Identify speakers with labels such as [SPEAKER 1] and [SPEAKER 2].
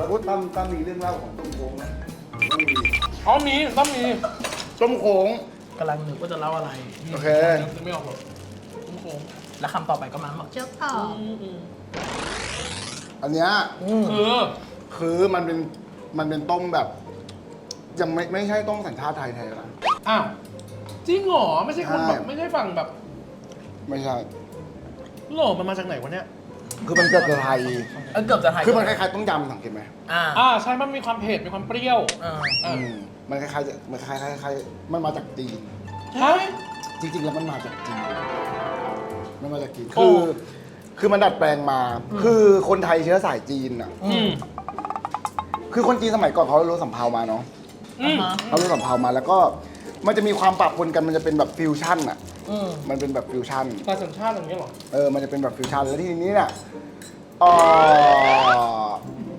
[SPEAKER 1] แล้วก็ตั้มมีเรื่องเล่าของต้มโค้งไหมต้องมี
[SPEAKER 2] อ๋อมีต้องมี
[SPEAKER 1] ต้มโค้ง
[SPEAKER 3] กำลังนึกว่าจะเล่าอะไร
[SPEAKER 1] โอเค
[SPEAKER 2] นึกไม่ออกหรอกโค้ง
[SPEAKER 3] แล้วคำต่อไปก็มาบอกเจ้าพ่อ
[SPEAKER 1] อันเนี้ย
[SPEAKER 2] คือ
[SPEAKER 1] มันเป็นต้มแบบ ยังไม่ใช่ต้มสัญชาติไทยแท้นะ
[SPEAKER 2] อ้าวจริงเหรอไม่ใช่คนแบบ
[SPEAKER 1] ใช่
[SPEAKER 2] ไม่ใช่ฝั่งแบบ
[SPEAKER 1] ไม่ใช่
[SPEAKER 2] หรอมันมาจากไหนวะเนี่ย
[SPEAKER 1] คือมันเกิดจากไทย
[SPEAKER 3] เกือบจะไทย
[SPEAKER 1] คือมันคล้ายๆต้มยำสังเกตไหม
[SPEAKER 2] ใช่มันมีความเผ็ดมีความเปรี้ยว
[SPEAKER 1] มันคล้ายๆมันคล้ายๆมันมาจากจีน
[SPEAKER 2] ฮะ
[SPEAKER 1] จริงๆ แล้วมันมาจากจีน มันมาจากจีน
[SPEAKER 2] โอ้
[SPEAKER 1] คือมันดัดแปลงมา คือคนไทยเชื้อสายจีนอ่ะ
[SPEAKER 2] อืม
[SPEAKER 1] คือคนจีนสมัยก่อนเขารู้สำเภามาเนาะ
[SPEAKER 2] อืม
[SPEAKER 1] เขารู้สำเภามาแล้วก็มันจะมีความปะปนกันมันจะเป็นแบบฟิวชั่นอ่ะ มันเป็นแบบฟิวชั่น
[SPEAKER 2] ตาสัญชาติอย่างเงี้ยเหรอ
[SPEAKER 1] มันจะเป็นแบบฟิวชั่นแล้วทีนี้เนี่ยเอ่อ